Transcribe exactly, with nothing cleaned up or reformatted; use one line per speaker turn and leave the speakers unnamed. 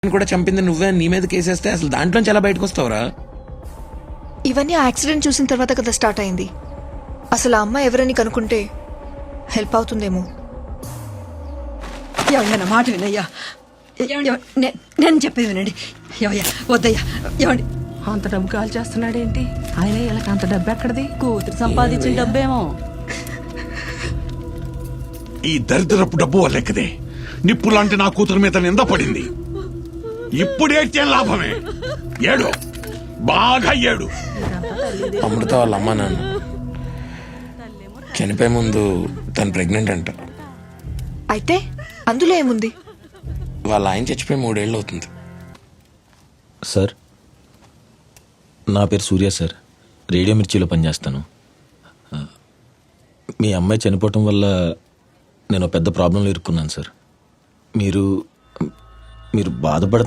కూడా చంపింది నువ్వే నీ మీద కేసేస్తే అసలు దాంట్లోంచి ఎలా బయటకు వస్తావురా?
ఇవన్నీ ఆ యాక్సిడెంట్ చూసిన తర్వాత కదా స్టార్ట్ అయింది. అసలు ఆ అమ్మాయి ఎవరని కనుక్కుంటే హెల్ప్ అవుతుందేమో.
ఎవరైనా మాట వినయ్యా, ఎవ- నే- నేను చెప్పేది వినండి. ఎవయ్యా వద్దయ్యా, ఏమండి
అంత డబ్బు కాల్ చేస్తున్నాడేంటి ఆయన? వీళ్ళకి అంత డబ్బు ఎక్కడిది? కూతురు సంపాదించిన డబ్బేమో.
ఈ దరిద్రపు డబ్బు వల్లెక్కదే నిప్పు లాంటి నా కూతురు మీద నింద పడింది. ఇప్పుడేటే లాభమే? ఏడు, బాగా ఏడు.
అమృత వాళ్ళ అమ్మ నాన్న చనిపోయే ముందు తను ప్రెగ్నెంట్ అంట.
అయితే అందులో ఏముంది?
వాళ్ళ ఆయన చచ్చిపోయి మూడేళ్ళు అవుతుంది.
సార్, నా పేరు సూర్య సార్, రేడియో మిర్చిలో పనిచేస్తాను. మీ అమ్మాయి చనిపోవటం వల్ల నేను పెద్ద ప్రాబ్లంలో ఇరుక్కున్నాను సార్. మీరు మీరు బాధపడ